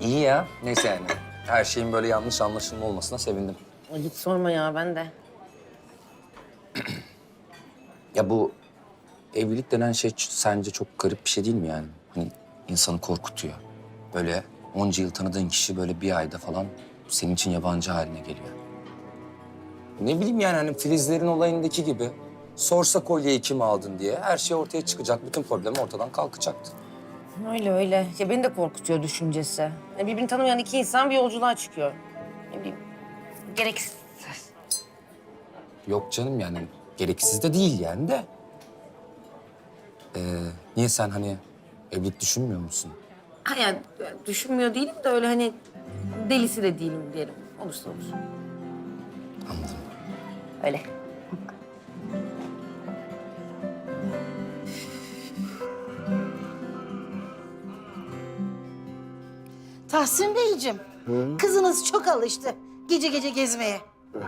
İyi ya. Neyse yani. Her şeyin böyle yanlış anlaşılma olmasına sevindim. Ay, hiç sorma ya, ben de. Ya bu evlilik denen şey sence çok garip bir şey değil mi yani? Hani insanı korkutuyor. Böyle onca yıl tanıdığın kişi böyle bir ayda falan senin için yabancı haline geliyor. Ne bileyim yani hani Filizlerin olayındaki gibi. Sorsa kolyeyi kim aldın diye her şey ortaya çıkacak. Bütün problem ortadan kalkacaktı. Öyle öyle. Ya beni de korkutuyor düşüncesi. Ya birbirini tanımayan iki insan bir yolculuğa çıkıyor. Ne bileyim, gereksiz. Yok canım yani gereksiz de değil yani de. Niye sen hani evlilik düşünmüyor musun? Ha yani düşünmüyor değilim de öyle hani delisi de değilim diyelim. Olursa olur. Anladım. Öyle. Tahsin Beyciğim, kızınız çok alıştı gece gece gezmeye.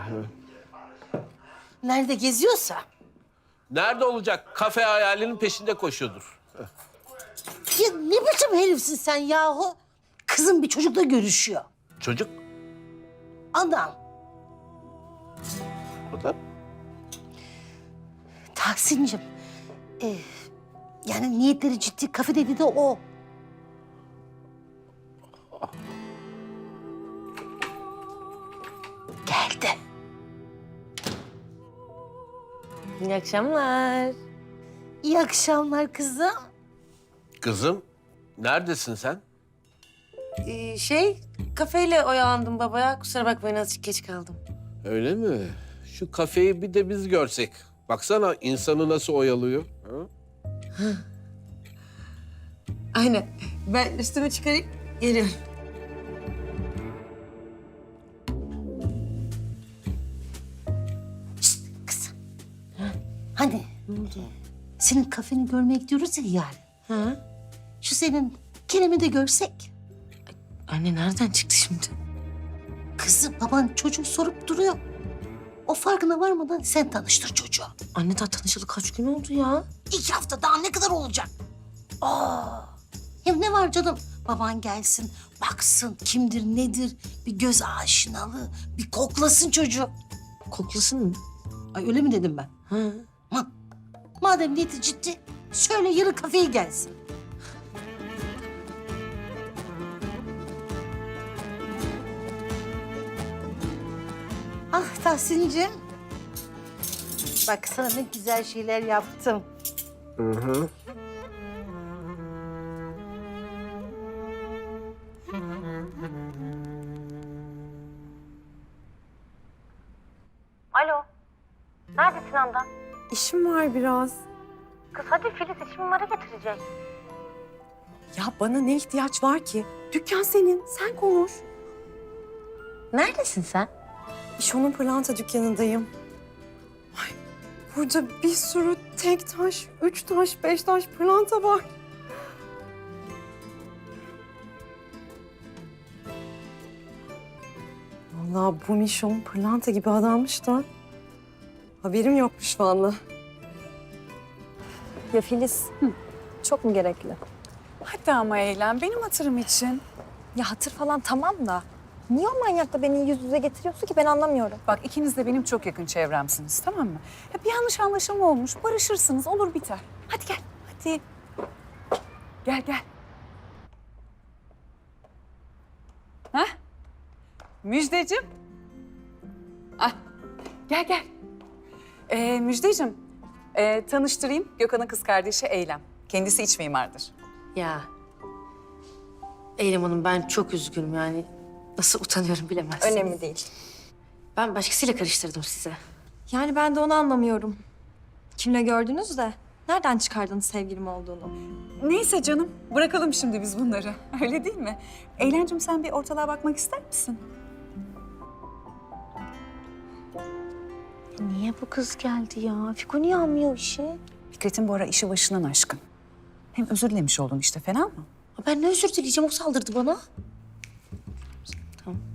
Nerede geziyorsa. Nerede olacak? Kafe hayalinin peşinde koşuyordur. Ya ne biçim herifsin sen yahu? Kızım bir çocukla görüşüyor. Çocuk. Adam. O da. Tahsin'cim, yani niyetleri ciddi, kafe dedi de o. Geldi. İyi akşamlar. İyi akşamlar kızım. Kızım, neredesin sen? Kafeyle oyalandım babaya. Kusura bakmayın, azıcık geç kaldım. Öyle mi? Şu kafeyi bir de biz görsek. Baksana insanı nasıl oyalıyor. Ha? Aynen. Ben üstümü çıkarayım, geliyorum. Kızım. Hani? Ne oldu? Senin kafeni görmeye gidiyoruz ya yarın. Ha? Şu senin Kerem'i de görsek. Anne nereden çıktı şimdi? Kızım baban çocuk sorup duruyor. O farkına varmadan sen tanıştır çocuğu. Anne daha tanışalı kaç gün oldu ya? 2 hafta daha ne kadar olacak? Hem ne var canım? Baban gelsin, baksın kimdir nedir, bir göz aşinalığı, bir koklasın çocuğu. Koklasın mı? Ay öyle mi dedim ben? Ha. Madem niyeti ciddi, söyle yarın kafeye gelsin. Ah Tahsin'cim. Bak sana ne güzel şeyler yaptım. Alo. Neredesin Handan? İşim var biraz. Kız hadi Filiz işimi mara getirecek. Ya bana ne ihtiyaç var ki? Dükkan senin, sen konuş. Neredesin sen? İşon'un pırlanta dükkanındayım. Ay, burada bir sürü tek taş, 3 taş, 5 taş pırlanta var. Vallahi bu Mişon pırlanta gibi adammış da haberim yokmuş vallahi. Ya Filiz, çok mu gerekli? Hadi ama eğlen, benim hatırım için. Ya hatır falan tamam da niye o manyakla beni yüz yüze getiriyorsun ki ben anlamıyorum. Bak ikiniz de benim çok yakın çevremsiniz, tamam mı? Ya bir yanlış anlaşılma olmuş, barışırsınız, olur biter. Hadi gel, hadi. Gel, gel. Hah? Müjdeciğim. Ah, gel, gel. Müjdeciğim, tanıştırayım. Gökhan'ın kız kardeşi Eylem. Kendisi iç mimardır. Ya Eylem Hanım, ben çok üzgünüm yani. Nasıl utanıyorum bilemezsiniz. Önemli değil. Ben başkasıyla karıştırdım size. Yani ben de onu anlamıyorum. Kimle gördünüz de nereden çıkardınız sevgilim olduğunu? Neyse canım, bırakalım şimdi biz bunları. Öyle değil mi? Eylemciğim sen bir ortalığa bakmak ister misin? Niye bu kız geldi ya? Fiko niye almıyor işi? Fikret'in bu ara işi başından aşkın. Hem özür dilemiş oldun işte, fena mı? Ben ne özür dileyeceğim, o saldırdı bana. Tamam.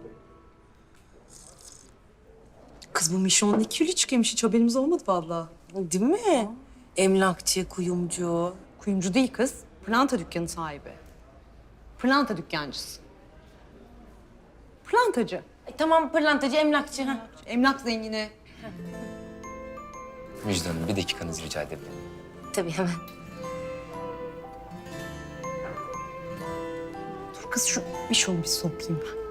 Kız bu Mişon'un 2 çıkıyormuş, hiç haberimiz olmadı vallahi. Değil mi? Emlakçı, kuyumcu. Kuyumcu değil kız. Pırlanta dükkanı sahibi. Pırlanta dükkancısı. Pırlantacı. Tamam, pırlantacı, emlakçı. Ha. Emlak zengini. Müjde Hanım, bir dakikanızı rica edebilirim. Tabii hemen. Dur kız şu bir şunu bir sokayım ben.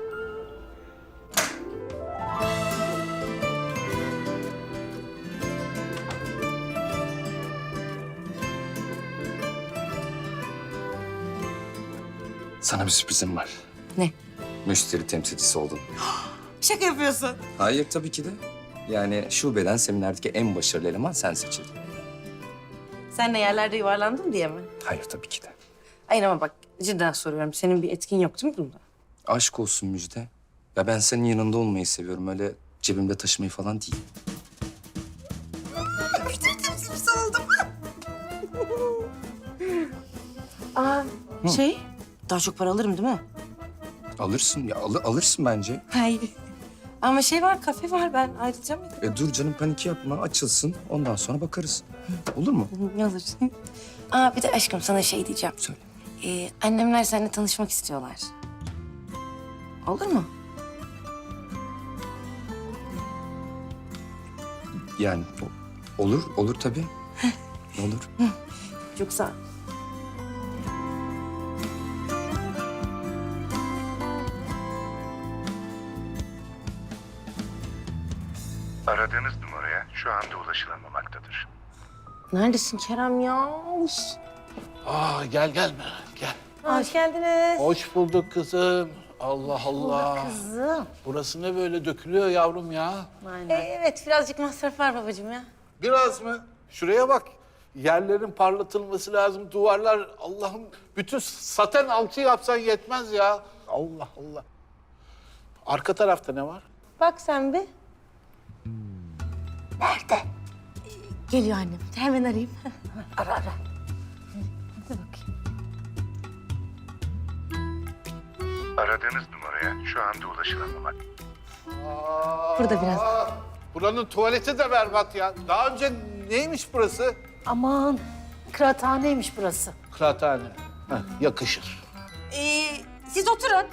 Sana bir sürprizim var. Ne? Müşteri temsilcisi oldun. Şaka yapıyorsun. Hayır, tabii ki de. Yani şubeden seminerdeki en başarılı eleman sen seçildin. Sen de yerlerde yuvarlandın diye mi? Hayır, tabii ki de. Hayır ama bak cidden soruyorum. Senin bir etkin yok değil mi bunda? Aşk olsun Müjde. Ya ben senin yanında olmayı seviyorum. Öyle cebimde taşımayı falan değil. Aa, daha çok para alırım değil mi? Alırsın ya, alırsın bence. Hayır. Ama var, kafe var. Ben ayrıca mı? Dur canım, panik yapma. Açılsın. Ondan sonra bakarız. Olur mu? Ne olur. Aa, bir de aşkım sana şey diyeceğim. Söyle. Annemler seninle tanışmak istiyorlar. Olur mu? Yani olur tabii. Olur. Çok sağ ol. Aradığınız numaraya şu anda ulaşılamamaktadır. Neredesin Kerem ya? Gel gel. Hoş geldiniz. Hoş bulduk kızım. Allah Allah. Kızım. Burası ne böyle dökülüyor yavrum ya? Evet, birazcık masraf var babacığım ya. Biraz mı? Şuraya bak. Yerlerin parlatılması lazım. Duvarlar Allah'ım bütün saten alçı yapsan yetmez ya. Allah Allah. Arka tarafta ne var? Bak sen bir. Nerede? Geliyor annem. Hemen arayayım. Ara. Hadi bakayım. Aradığınız numaraya şu anda ulaşılamamak. Burada biraz. Buranın tuvaleti de berbat ya. Daha önce neymiş burası? Aman kıraathaneymiş burası. Kıraathane. Yakışır. Siz oturun.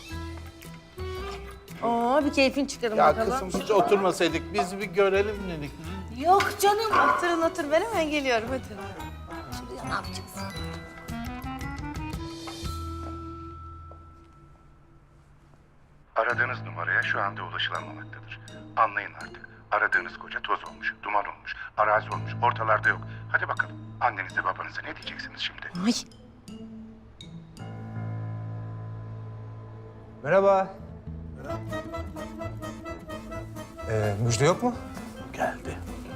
Bir keyfin çıkarın Ya bakalım. kızım hiç oturmasaydık biz bir görelim dedik. Yok canım. Otur. Ben hemen geliyorum. Hadi. Şuraya ne yapacağız? Aradığınız numaraya şu anda ulaşılamamaktadır. Anlayın artık. Aradığınız koca toz olmuş, duman olmuş, arazi olmuş, ortalarda yok. Hadi bakalım. Annenize babanıza ne diyeceksiniz şimdi? Ay. Merhaba. Müjde yok mu? Geldi.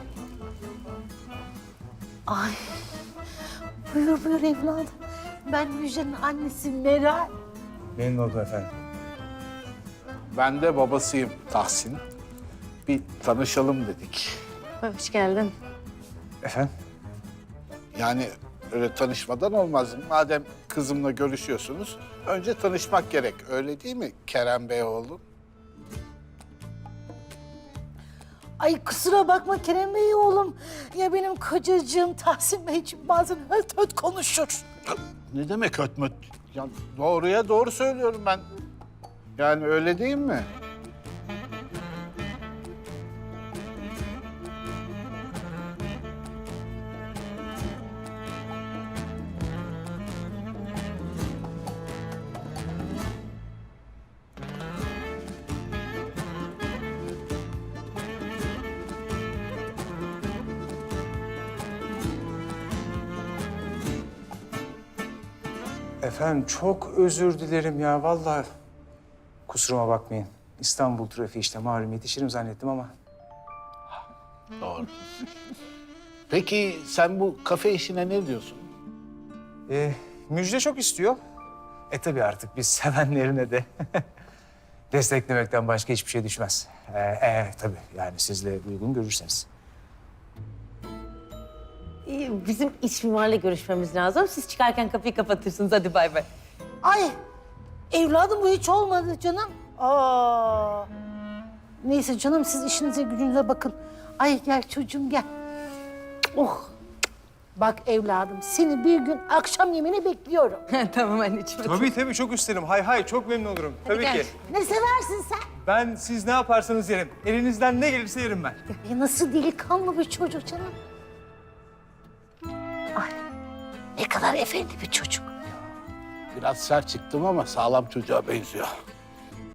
Ay. Buyur evladım. Ben Müjde'nin annesi Meral. Memnun oldum efendim. Ben de babasıyım Tahsin. Bir tanışalım dedik. Hoş geldin. Efendim? Yani öyle tanışmadan olmaz. Madem kızımla görüşüyorsunuz, önce tanışmak gerek. Öyle değil mi Kerem Bey oğlum? Ay kusura bakma Kerem Bey oğlum. Ya benim kocacığım Tahsin Beyciğim bazen höt höt konuşur. Ne demek ötmöt? Ya doğruya doğru söylüyorum ben. Yani öyle değil mi? Efendim çok özür dilerim ya vallahi. Kusuruma bakmayın. İstanbul trafiği işte malum yetişirim zannettim ama. Doğru. Peki sen bu kafe işine ne diyorsun? Müjde çok istiyor. Tabii artık biz sevenlerine de desteklemekten başka hiçbir şey düşmez. Tabii yani siz de uygun görürseniz. Bizim iç mimarla görüşmemiz lazım. Siz çıkarken kapıyı kapatırsınız. Hadi bay bay. Ay evladım bu hiç olmadı canım. Neyse canım siz işinize gücünüze bakın. Ay gel çocuğum gel. Oh. Bak evladım seni bir gün akşam yemeğine bekliyorum. Tamam anneciğim. Tabii çok isterim. Hay çok memnun olurum. Tabii gel. ki. Ne seversin sen? Ben siz ne yaparsanız yerim. Elinizden ne gelirse yerim ben. Ya nasıl delikanlı bir çocuk canım. Ay ne kadar efendi bir çocuk. Biraz sert çıktım ama sağlam çocuğa benziyor.